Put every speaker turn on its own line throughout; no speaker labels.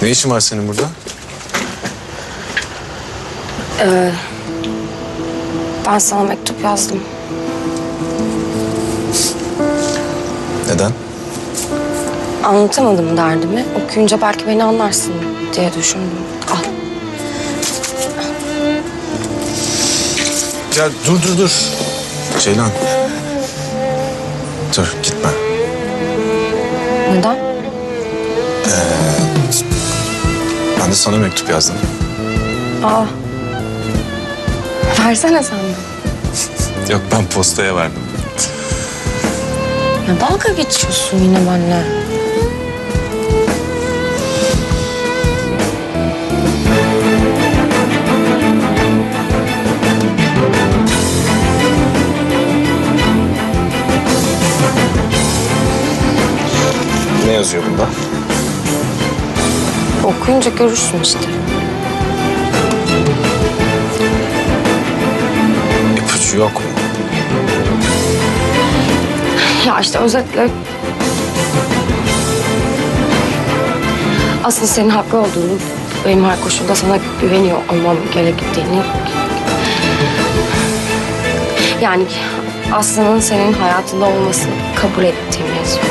Ne işin var senin burada?
Ben sana mektup yazdım.
Neden?
Anlatamadım derdimi. Okuyunca belki beni anlarsın diye düşündüm. Al.
Ya dur. Ceylan. Dur gitme.
Neden?
Ben de sana mektup yazdım.
Aa. Versene sen de.
Yok ben postaya verdim.
Ya dalga geçiyorsun yine benimle.
Ne yazıyor bunda?
Okuyunca görürsün işte.
İpucu yok mu?
Ya işte özetle... Aslında senin haklı olduğunu, benim her koşulda sana güveniyor olmam gerektiğini... Yani Aslı'nın senin hayatında olmasını kabul ettiğimi yazıyor.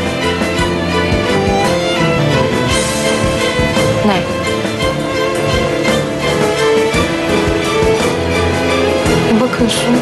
Ne? Bakıyorsun.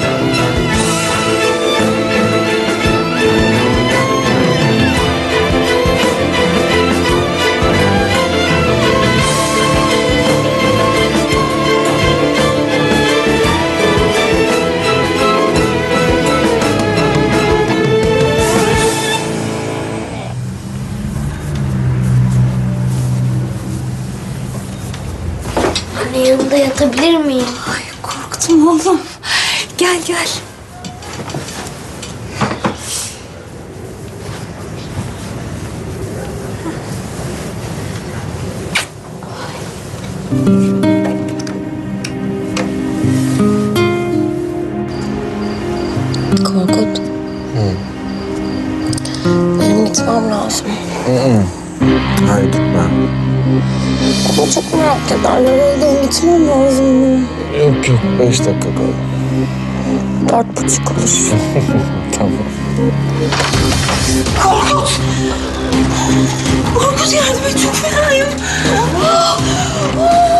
Anne yanında yatabilir miyim?
Ay korktum oğlum. Gel.
Korkut. Benim gitmem lazım.
Hayır gitme.
Ama çok merak ederler. Evden gitmem lazım.
Yok 5 dakika kal.
4:30 olur.
Tamam.
Korkut yardım et, çok fenayım.